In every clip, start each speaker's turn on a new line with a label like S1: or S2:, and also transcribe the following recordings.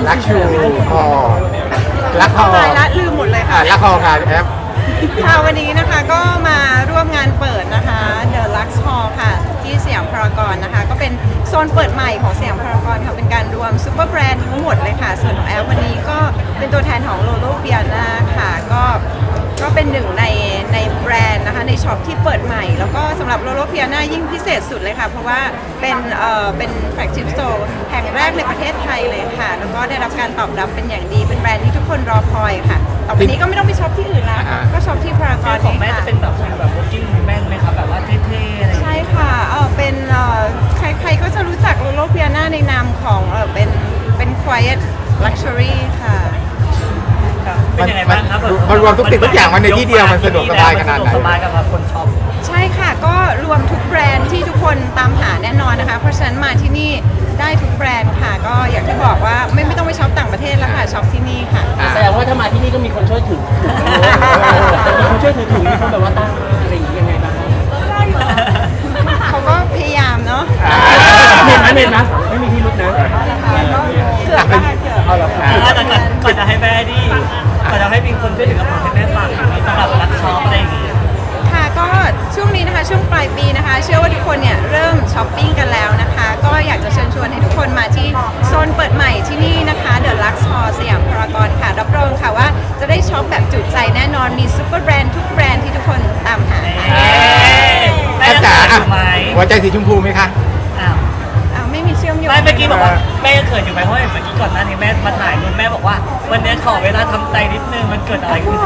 S1: รักชูคอรักคอ
S2: ตายละลืมหมดเลยค่ะ
S1: รักคอค่ะแอป
S2: ค่ะวันนี้นะคะก็มาร่วมงานเปิดนะคะ The Lux Hall ค่ะที่สยามพารากอนนะคะก็เป็นโซนเปิดใหม่ของสยามพารากอนค่ะเป็นการรวมซูเปอร์แบรนด์ทั้งหมดเลยค่ะส่วนของแอปวันนี้ก็เป็นตัวแทนของ Lolo Piana ค่ะก็เป็นหนึ่งในแบรนด์นะคะในช็อปที่เปิดใหม่แล้วก็สำหรับ Lolo Piana ยิ่งพิเศษสุดเลยค่ะเพราะว่าเป็นแฟลกชิพสโตร์แห่งแรกในประเทศไทยเลยค่ะแล้วก็ได้รับการตอบรับเป็นอย่างดีเป็นแบรนด์ที่ทุกคนรอคอยค่ะต่อไปนี้ก็ไม่ต้องไปช็อปที่อื่นแล้วก็ช็อปที่พารากอน
S3: ของแม่จะเป็นแบบworking woman ไหมครับแบบว่าเท่ๆอะไรอย่างเงี้ย
S2: ใช่ค่ะเป็นใครๆก็จะรู้จัก Lolo Piana ในนามของเป็น quiet luxury ค่ะ
S3: เป็นยังไงบ้างครับ
S1: มันรวมทุกสิ่งทุกอย่างมันในที่เดียวมันสะดวกสบายขนาดไหน
S3: สะดวกสบายกับคนช็อป
S2: ใช่ค่ะก็รวมทุกแบรนด์ที่ทุกคนตามหาแน่นอนนะคะ เพราะฉะนั้นมาที่นี่ได้ทุกแบรนด์ค่ะก็อย่างที่บอกว่าไม่ต้องไปช็อปต่างประเทศแล้วค่ะช็อปที่นี่ค่ะ
S4: แสดงว่าถ้ามาที่นี่ก็มีคนช่วยถือมีคนช่วยถือถุงมีคนแบบว่าตั้งอะไรอย่างงี้ยังไงบ้าง
S2: เขาก็พยายามเนาะ
S4: เมนนะไม่มีที่รุดนะ
S2: เกือบแล้วค่ะเกือบ
S4: เอาละครับ
S3: แต่ก่อนจะให้แม่ดิก่อนจะให้มีคนช่วยถือกระเป๋าให้แม่ฟังอย่างนี้สำหรับรักช็อปอะไรอย่างงี้
S2: ค่ะก็ช่วงนี้นะคะช่วงปลายปีนะคะ เชื่อว่าทุกคนเนี่ยเริ่มช้อปปิ้งกันแล้วนะคะ ก็อยากจะเชิญชวนให้ทุกคนมาที่โซนเปิดใหม่ที่นี่นะคะ The Lux Hall สยามพารากอนค่ะรับรองค่ะว่าจะได้ช็อปแบบจุใจแน่นอนมีซุปเปอร์แบรนด์ทุกแบรนด์ที่ทุกคนตามหาค่ะ
S3: แม่
S1: แอป
S3: จะ
S1: จ๋า
S3: เขินอยู่ไหม
S1: หัวใจสีชมพูไหมคะ
S3: อ้าว
S2: ไม่มีเชื่อมโยง
S3: ไม่เมื่อกี้บอกว่าแม่ยังเขินอยู่ไหมเพราะเมื่อกี้ก่อนหน้านี้แม่มาถ่ายรูปแม่บอกว่า วันนี้ขอเวลาทำใจนิดนึงมันเกิดอะไรขึ้น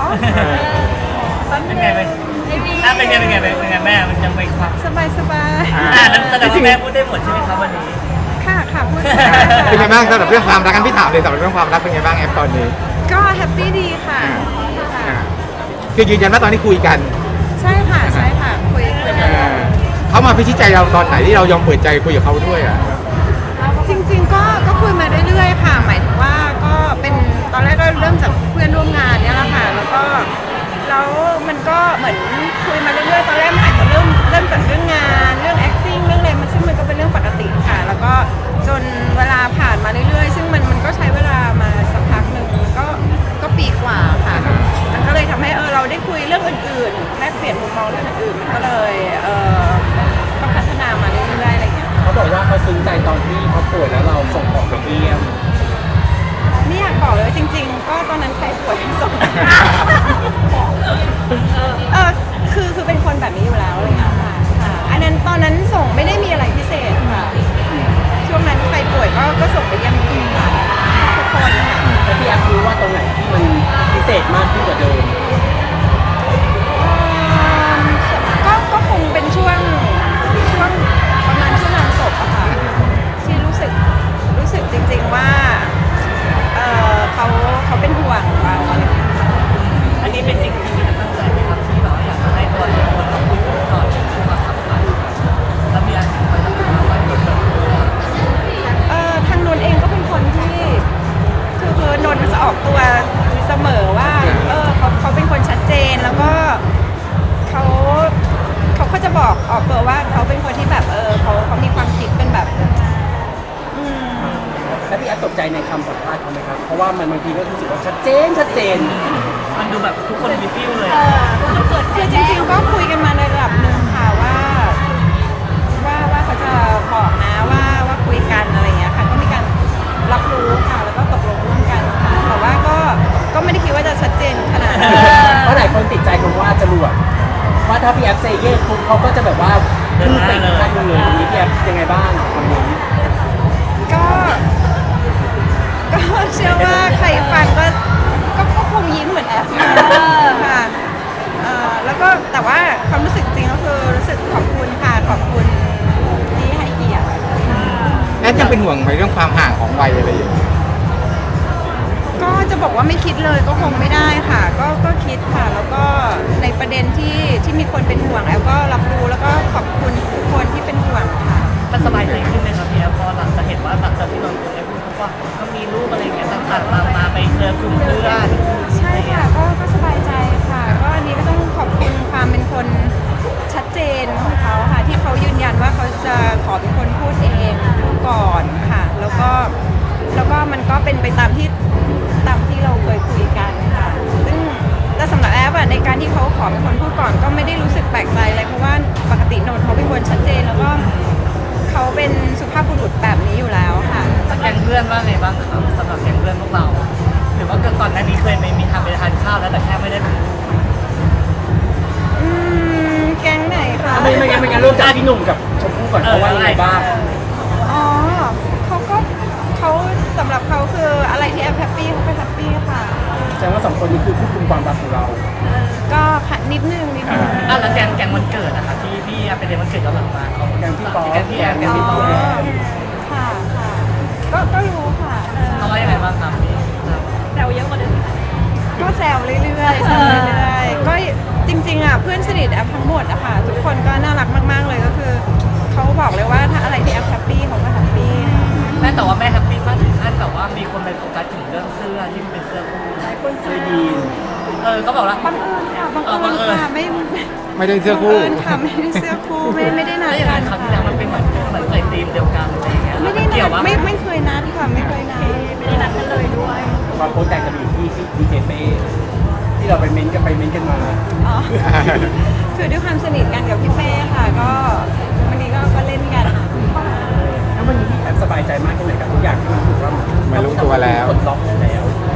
S3: เป็นไงเป็นไงแม่มันยังไม่ความ
S2: สบายสบาย
S3: นั้นแสดงว่าแม่พูดได้หมดใช่ไหมครับวันนี้
S2: ค่ะค่ะพูด
S1: เป็นไงบ้างสำหรับเรื่องความรักกันพี่ถามเลยสำหรับเรื่องความรักเป็นไงบ้างแอปตอนนี้
S2: ก็แฮปปี้ดีค่ะ
S1: คือยืนยันว่าตอนนี้คุยกัน
S2: ใช่ค่ะใช่ค่ะคุยกัน
S1: เขามาพิชิตใจเราตอนไหนที่เรายอมเปิดใจคุยกับเขาด้วยอ่ะ
S2: จริงๆก็คุยมาเรื่อยๆค่ะ หมายถึงว่าก็เป็นตอนแรกก็เริ่มจากเพื่อนร่วมงานเนี่ยแหละค่ะแล้วมันก็เหมือนคุยมาเรื่อยๆตอนแรกมันอาจจะเริ่มจากเรื่องงานเรื่อง acting เรื่องอะไรมันซึ่งมันก็เป็นเรื่องปกติค่ะ แล้วก็จนเวลาผ่านมาเรื่อยๆซึ่งมันก็ใช้เวลามาสักพักหนึ่งก็ปีกว่าค่ะมันก็เลยทำให้เราได้คุยเรื่องอื่นๆแลกเปลี่ยนมุมมองเรื่องอื่นๆมันก็เลยก็พัฒนามาเรื่อยๆอะไรอย่างเงี้ย
S4: เขาบอกว่าเขาซึ้งใจตอนที่เขาป่วยแล้วเราส่งของไปเยี่ยม
S2: ไม่อยากบอกเลยว่าจริงๆ ก็ตอนนั้นใครป่วยทั้งสองคือเป็นคนแบบนี้อยู่แล้วอะไรอย่างเงี้ยค่ะอันนั้นตอนนั้นส่งไม่ได้มีอะไรพิเศษค่ะช่วงนั้นใครป่วยก็ส่งไปเยี่ยมค่ะทุกคนค่ะ
S4: แต่พี่แอฟรู้ว่าตรงไหนที่มันพิเศษมากขึ้นกว่าเดิม
S2: ก็คงเป็นช่วงประมาณช่วงงานศพอะค่ะที่รู้สึกจริงๆว่าเขาเป็นห่วงเราอะไรอย่างเงี้ย
S3: อันนี้เป็นสิ่งที่มีตั้งใจไหมครับที่แบบอยากจะให้ตัวเราคนเราคุยกันก่อนความสำคัญแล้วมีอันไหนไปทำอะไรไว้
S2: ทางนนท์เองก็เป็นคนที่คือนนท์จะออกตัวเสมอว่าเขาเป็นคนชัดเจนแล้วก็เขาก็จะบอกออกตัวว่าเขาเป็นคนที่แบบเขามีความคิดเป็นแบบ
S4: แล้วพี่แอฟตกใจในคำสัมภาษณ์เขาไหมครับ เพราะว่ามันบางทีก็รู้สึกว่าชัดเจน
S3: มันดูแบบทุกคนมีฟิลเลย
S2: คือจริงๆก็คุยกันมาในระดับหนึ่งค่ะว่าเขาจะบอกนะว่าคุยกันอะไรอย่างเงี้ยค่ะก็มีการรับรู้ค่ะแล้วก็ตกลงร่วมกันค่ะแต่ว่าก็ไม่ได้คิดว่าจะชัดเจนขนาดนั้น
S4: เพราะหลายคนติดใจคำว่าจรวดว่าถ้าพี่แอฟเซเย่ปุ๊บเขาก็จะแบบว่าขึ้นไปอีกขั้นหนึงเลยตรงนี้พี่แอฟยังไงบ้างคำนี้
S2: ก็เชื่อว่าใครฟังก็คงยิ้มเหมือนแอฟค่ะแล้วก็แต่ว่าความรู้สึกจริงก็คือรู้สึกขอบคุณค่ะขอบคุณที่ให้เกียรติ
S1: แอปยังเป็นห่วงในเรื่องความห่างของวัยอะไรอย่างเงี้ย
S2: ก็จะบอกว่าไม่คิดเลยก็คงไม่ได้ค่ะก็คิดค่ะแล้วก็ในประเด็นที่มีคนเป็นห่วงแอฟก็รับรู้แล้วก็ขอบคุณทุกคนที่เป็นห่วงค่ะ
S3: มันสบายใจขึ้นไหมครับพี่แอฟพอหลังจากเห็นว่าหลังจากที่เราได้พูดว่าก็มีรูปอะไรอย่างเงี้ยต่างๆมาไปเจอกลุ่มเพื่อน
S2: ใช่ค่ะก็สบายใจค่ะก็อันนี้ก็ต้องขอบคุณความเป็นคนชัดเจนของเขาค่ะที่เขายืนยันว่าเขาจะขอเป็นคนพูดเองก่อนค่ะแล้วก็แล้วก็มันก็เป็นไปตามที่เราเคยคุยกันค่ะซึ่งแต่สำหรับแอฟอะในการที่เขาขอเป็นคนพูดก่อนก็ไม่ได้รู้สึกแปลกใจอะไรเพราะว่าปกติโนนเขาเป็นคนชัดเจนแล้วก็เขาเป็นสุภาพบุรุษแบบนี้อยู่แล้วค่ะ
S3: แก๊งเพื่อนว่าไงบ้างครับสำหรับแก๊งเพื่อนพวกเราหรือว่าก่อนหน้านี้เคยมีทำไปทานข้าวแล้วแต่แค่ไม่ได้เป็น
S2: แก๊งไหนคะ
S4: ไม่งั้นเริ่มจากพี่หนุ่มกับชมพู่ก่อนเขาว่ายังไงบ้าง
S2: อ๋อเขาสำหรับเขาคืออะไรที่แอฟแฮปปี้เขาก็แฮปปี้ค่ะ
S4: แสดงว่าสองคนนี้คือควบคุมความรักของเรา
S2: ก็นิดนึง
S3: แล้วแก๊งวันเกิดนะคะที่พี่ไปเรียนวันเกิดย้อนหลังมาเขา
S4: แก๊งพี่ป๊อป
S3: แก๊งพี่แอมแก๊งพี่ป๊อป
S2: ค่ะก็รู้ค่ะ
S3: เขาว่ายังไงบ้างครับพี่
S2: ก็แซวเรื่อยๆก็จริงๆอ่ะเพื่อนสนิทแอฟทั้งหมดอะค่ะทุกคนก็น่ารักมากๆเลยก็คือเขาบอกเลยว่าถ้าอะไรที่แอฟแฮปปี้เขาก็แฮปปี้
S3: แม่แต่ว่าแม่แฮปปี้มากถึงขั้นแบบว่ามีคนไปโฟกัสถึงเรื่องเสื้อที่มันเป็นเสื้อคู่
S4: เคยดีน
S3: เขาบอกว่า
S2: บังเอิญค่ะค่ะ
S1: ไม่ได้เสื้อ
S2: บัง
S1: คู่
S2: เอิญค่ะไม่ได้เสื้อคู่ไม่ได้นัด
S3: แล้วอย่าง
S2: กั
S3: นั้น นคราวที่แล้วมันเป็นเหมือนเคยธีมเดียวกันอะไรอย่างเงี้ย
S2: ไม่ได้
S3: เกี่
S2: นั
S3: ยว
S2: ด
S3: ว่า
S2: ไม่เคยนัดค่ะไม่เคยนัดกันเลยด้วย
S4: ความโพสต์แต่งจะมีอยู่ที่ดีเจเป้ที่เราไปเม้นต์กันมา
S2: อ๋อคือด้วยความสนิทกันกับพี่เป้ค่ะก็วันนี้ก็เล่นกัน
S4: แล้ววันนี้พี่แอบสบายใจมากแค่ไหนกับทุกอย่างที่มันถูกว่า
S1: มันรู้ตัวแล้ว
S4: กดล็อกแล้ว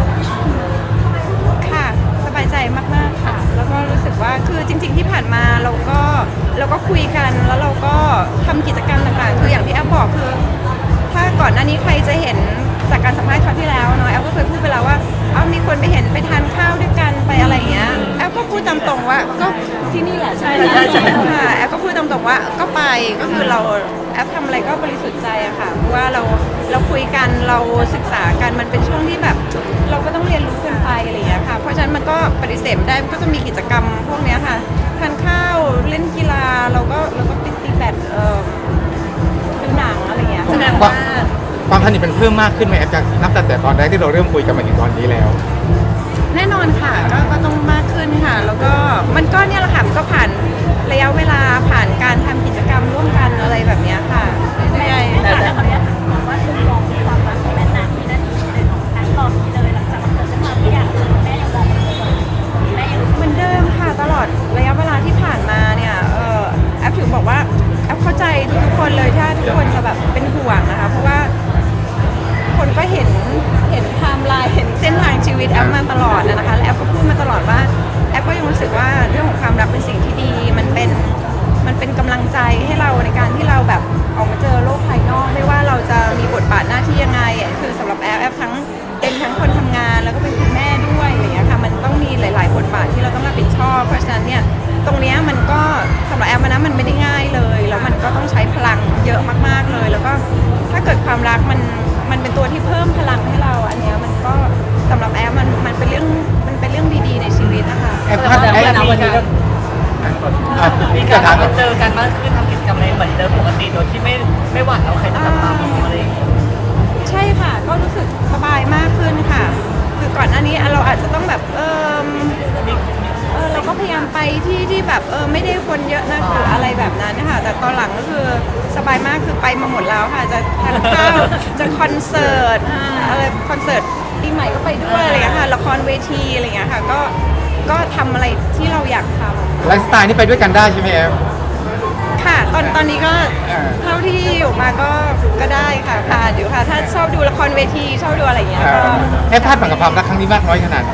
S2: ค่ะสบายใจมากๆค่ะ แล้วก็รู้สึกว่าคือจริง ๆที่ผ่านมาเราก็คุยกันแล้วเราก็ทำกิจกรรมต่างๆคืออย่างที่แอฟบอกคือ ถ้าก่อนหน้านี้ใครจะเห็นจากการสัมภาษณ์คราวที่แล้วเนาะแอฟก็เคยพูดไปแล้วว่ามีคนไปเห็นไปทานข้าวด้วยกันไปอะไรอย่างเงี้ยแอฟก็พูดตามตรงว่าก็ที่นี่แหละใช่ค่ะแอฟก็พูดตามตรงว่าก็ไปก็คือเราแอฟทำอะไรก็บริสุทธิ์ใจอะค่ะเพราะว่าเราคุยกันเราศึกษากันมันเป็นช่วงที่แบบ เราก็ต้องเรียนรู้กันไปอะไรอย่างเงี้ยค่ะเพราะฉะนั้นมันก็ปฏิเสธไม่ได้มันก็จะมีกิจกรรมพวกเนี้ยค่ะทานข้าวเล่นกีฬาเราก็ตีแบดดูหนังอะไรอย่างเงี้ย
S3: แสดงว่า
S1: ความสนิทมันเพิ่มมากขึ้นไหมแอฟจากนับแต่ตอนแรกที่เราเริ่มคุยกันมาถึงตอนนี้แล้ว
S2: แน่นอนค่ะก็ต้องมากขึ้นค่ะ แล้วก็มันก็เนี่ยแหละค่ะมันก็ผ่านระยะเวลาผ่านการทำกิจกรรมร่วมกันอะไรแบบเนี้ยค่ะเรื่อยๆ
S5: แต่ขออนุญาตถามว่ามุมมองความรักของแม่นานที่นั่นเลยของทั้งตอนนี้เลยหลังจากมันเกิดขึ้นมาทุกอย่างแม่ยังมองมันแม่ยัง
S2: เหมือนเดิมค่ะตลอดระยะเวลาที่ผ่านมาเนี่ยแอฟถึงบอกว่าแอฟเข้าใจทุกคนเลยถ้าทุกคนจะแบบเป็นห่วงนะคะเพราะว่าคนก็เห็นไทม์ไลน์เห็นเส้นทางชีวิตแอฟมาตลอดนะคะและแอฟก็พูดมาตลอดว่าแอฟก็ยังรู้สึกว่าเรื่องของความรักเป็นสิ่งที่ดีมันเป็นกำลังใจให้เราในการที่เราแบบออกมาเจอโลกภายนอกไม่ว่าเราจะมีบทบาทหน้าที่ยังไงคือสำหรับแอฟทั้งเป็นทั้งคนทำงานแล้วก็เป็นคุณแม่ด้วยอะไรอย่างเงี้ยค่ะมันต้องมีหลายๆบทบาทที่เราต้องรับผิดชอบเพราะฉะนั้นเนี่ยตรงเนี้ยมันก็สำหรับแอฟนะมันไม่ได้ง่ายเลยแล้วมันก็ต้องใช้พลังเยอะมากๆเลย แล้วก็ถ้าเกิดความรักมันเป็นตัวที่เพิ่มพลังให้เราอันเนี้ยมันก็สำหรับแอฟมันเป็นเรื่องดีๆในชีวิตนะคะ
S1: แอฟ
S4: แต่
S1: คาด
S4: ว่า
S1: แอฟ
S4: ณวันนี้ก็
S3: มีการมาเจอกันมากขึ้นทำกิจกรรมอะไรเหมือนเดิมปกติโดยที่ไม่หวั่นแล้วใครจะจับตามองอะไรอย่างเงี้ย
S2: ใช่ค่ะก็รู้สึกสบายมากขึ้นค่ะ คือก่อนหน้านี้เราอาจจะต้องแบบเราก็พยายามไปที่แบบไม่ได้คนเยอะนะหรืออะไรแบบนั้นนะคะแต่ตอนหลังก็คือสบายมากคือไปมาหมดแล้วค่ะจะทานข้าวจะคอนเสิร์ตอะไรคอนเสิร์ตปีใหม่ก็ไปด้วยอะไรอย่างเงี้ยค่ะละครเวทีอะไรอย่างเงี้ยค่ะก็ทำอะไรที่เราอยากทำ
S1: ไลฟ์สไตล์นี่ไปด้วยกันได้ใช่ไหมแอฟ
S2: ค่ะตอนนี้ก็
S1: อ่า
S2: เท่าที่อยู่มาก็ได้ค่ะผ่านอยู่ค่ะ ถ้าชอบดูละครเวทีชอบดูอะไรอย่างเงี้ยก็
S1: แอฟคาดหวังกับความรักครั้งนี้มากน้อยขนาดไหน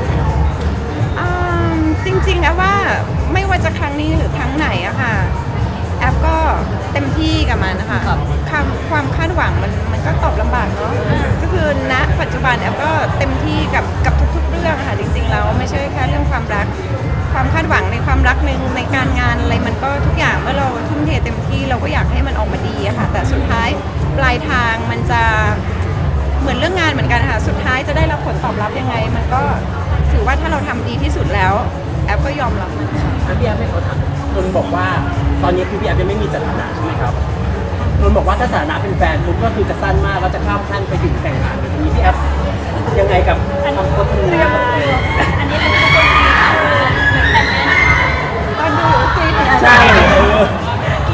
S2: จริงๆแอฟว่าไม่ว่าจะครั้งนี้หรือครั้งไหนอะค่ะแอฟก็เต็มที่กับมันนะคะความคาดหวังมันก็ตอบลำบากเนาะก็คือณปัจจุบันแอฟก็เต็มที่กับทุกๆเรื่องค่ะจริงๆแล้วไม่ใช่แค่เรื่องความรักความคาดหวังในความรักในการงานอะไรมันก็ทุกอย่างเมื่อเราทุ่มเทเต็มที่เราก็อยากให้มันออกมาดีอะค่ะแต่สุดท้ายปลายทางมันจะเหมือนเรื่องงานเหมือนกันค่ะสุดท้ายจะได้รับผลตอบรับยังไงมันก็ถือว่าถ้าเราทำดีที่สุดแล้วแอฟก็ยอมรับมันค่ะ
S4: แล้วพี่แอฟไม่เขาถามนนท์บอกว่าตอนนี้คือพี่แอฟยังไม่มีสถานะใช่ไหมครับนนท์บอกว่าถ้าสถานะเป็นแฟนปุ๊บก็คือจะสั้นมากแล้วจะข้ามขั้นไปถึงแต่งงานทีนี้พี่แอฟยังไงกับคำพูดนี้
S5: อันนี้เป็นคนที่
S2: ตอนดูคุยถึง
S4: ใช่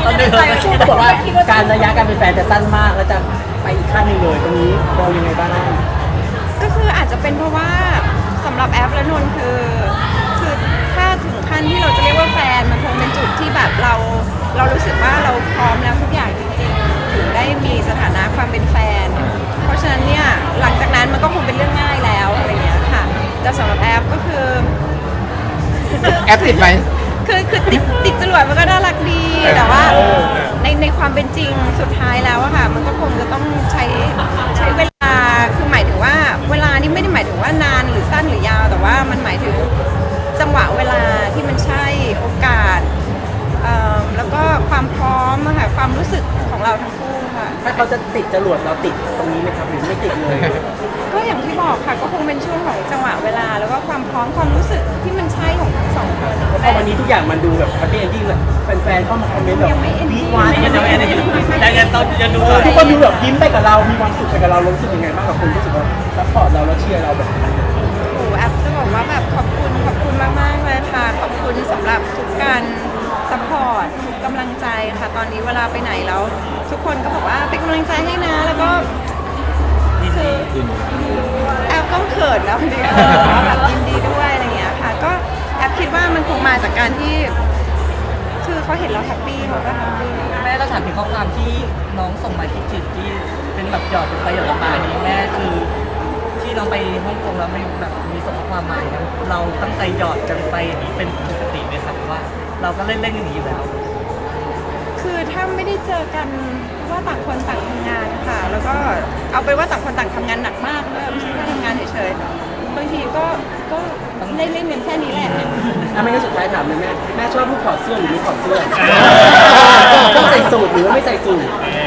S3: ตอนนี้เราไม่คิด
S4: เขาบอกว่าการระยะการเป็นแฟนจะสั้นมากแล้วจะไปอีกขั้นหนึงเลยตรงนี้เรายังไงบ้าง
S2: ก็คืออาจจะเป็นเพราะว่าสำหรับแอปและนนท์คือถ้าถึงขั้นที่เราจะเรียกว่าแฟนมันคงเป็นจุดที่แบบเรารู้สึกว่าเราพร้อมแล้วทุกอย่างจริงๆถึงได้มีสถานะความเป็นแฟน เพราะฉะนั้นเนี่ยหลังจากนั้นมันก็คงเป็นเรื่องง่ายแล้วอะไรอย่างเงี้ยค่ะแต่สำหรับแอปก็คือ
S1: แอปติดไหม
S2: คือติดจรวดมันก็น่ารักดีแต่ว่าในความเป็นจริงสุดท้ายแล้วอะค่ะมันก็คงจะต้องใช้เวลาคือหมายถึงว่าเวลานี่ไม่ได้หมายถึงว่านานหรือสั้นหรือยาว แต่ว่ามันหมายถึงจังหวะเวลาที่มันใช่โอกาสแล้วก็ความพร้อมอะค่ะความรู้สึกของเราทั้งคู่ค่ะ
S4: ถ้าเขาจะติดจรวดเราติดตรงนี้ไหมครับหรือไม่ติดเลย
S2: ก็อย่างที่บอกค่ะก็คงเป็นช่วงของจังหวะเวลาแล้วก็ความพร้อมความรู้สึกที่มันใช่ของทั้งสองคน
S4: เพราะวันนี้ทุกอย่างมันดูแบบแฮปปี้เอนดิ้งเลยแฟนๆเข้ามาคอมเมนต์แบบ
S2: ยังไม่ ending
S4: วีดวาน
S3: ยังไม่ได้ยังต้องยังดู
S4: ทุกคนดูแบบยิ้มไปกับเรา มีความสุขไปกับเรารู้สึกยังไงบ้างกับคนรู้สึกว่าซัพพอร์ตเราแล้วเชียร์เราแบบ
S2: โอ้โหแอปจะบอกว่าแบบขอบคุณมากๆเลยค่ะขอบคุณสำหรับทุกการซัพพอร์ตทุกกำลังใจค่ะตอนนี้เวลาไปไหนแล้ว ทุกคนก็บอกว่าเป็นกำลังใจให้นะแล้วก็คือแอปก็เขินแล้วดีแบบยินดีด้วยอะไรอย่างเงี้ยค่ะก็แอปคิดว่ามันคงมาจากการที่คือเขาเห็นเราแฮปปี้เขาก็แฮปปี้
S3: แม่เราถามถึงข้อความที่น้องส่งมาคิดถึงที่เป็นแบบหยอดลงไปหยอดลงมานี้แม่คือที่น้องไปฮ่องกงแล้วไม่แบบมีส่งข้อความมาอย่างเงี้ยเราตั้งใจหยอดกันไปอย่างนี้เป็นปกติไหมครับหรือว่าเราก็เล่นๆอย่างนี้อยู่แล้ว
S2: คือถ้าไม่ได้เจอกันว่าต่างคนต่างทำงานค่ะแล้วก็เอาไปนว่าต่างคนต่างทำงานหนักมากด้วยไม่ใช่แค่ทำงานเฉยๆบางทีก็เล่นกันแค่นี้แหละ
S4: ไม่งั้นสุดท้ายถามเลยแม่ชอบลูกถอดเสื้อหรือไม่ถอดเสื้อชอบใส่สูทหรือว่าไม่ใส่สูท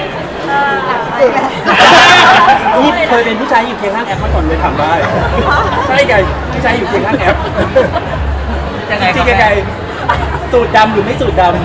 S4: นี่เคยเป็นผู้ชายอยู่เคียงข้างแอปมาก่อนเลยถามได้ใช่ไงผู้ชายอยู่เคียงข้างแอป
S3: ยังไง
S4: จริง
S3: ครับ
S4: ๆไงสูทดำหรือไม่สูทดำ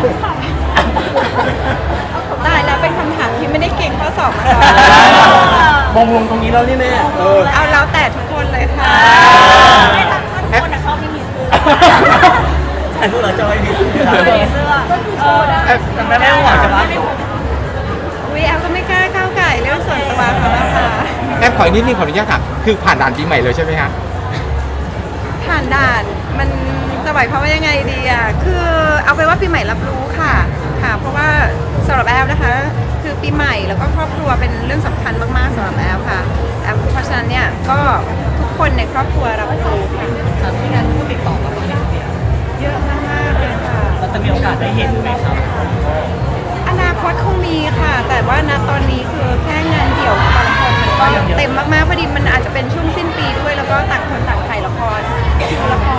S2: ตายแล้วเป็นคำถามที่ไม่ได้เก่งข้อสอบมาก่อน
S4: มองลงตรงนี้แล้วนี่แม่
S2: เอาแล้วแต่ทุกคนเลยค่ะ
S5: ไม่ทั้งคนแต่เขาไม่มีเสื้อ
S3: แต่พวกเราจะไม่มีเสื้อ
S5: ไม่มีเสื้อก็คือโชว์ได้
S3: แต่แม่ไม่หวังจะมา
S2: วิแอลก็ไม่กล้าก้าวไก่เรื่องส่วนตัวเขาแล้วค่ะ
S1: แอปขออีกนิดนึงขออนุญาตถามคือผ่านด่านปีใหม่เลยใช่ไหมฮะ
S2: ผ่านด่านมันจะหมายความว่ายังไงดีอ่ะคือเอาไปนว่าปีใหม่รับรู้ค่ะเพราะว่าสำหรับแอลนะคะ คือปีใหม่แล้วก็ครอบครัวเป็นเรื่องสำคัญมากๆสำหรับแอลค่ะแอลเพราะฉะนั้นเนี่ยก็ทุกคนในครอบครัวรับรู้ค่ะ
S3: ครับที่งานผู้ติดต่อมาไหมเนี่ย
S2: เยอะมากๆเลยค่ะ
S3: เราจะมีโอกาสได้เห็นไหมครับ
S2: อนาคตคงมีค่ะ แต่ว่าณตอนนี้คือแค่งานเดี่ยวของบางคนมันก็เต็มมากๆพอดีมันอาจจะเป็นช่วงสิ้นปีด้วย แล้วก็ต่างคนต่างถ่ายละครละคร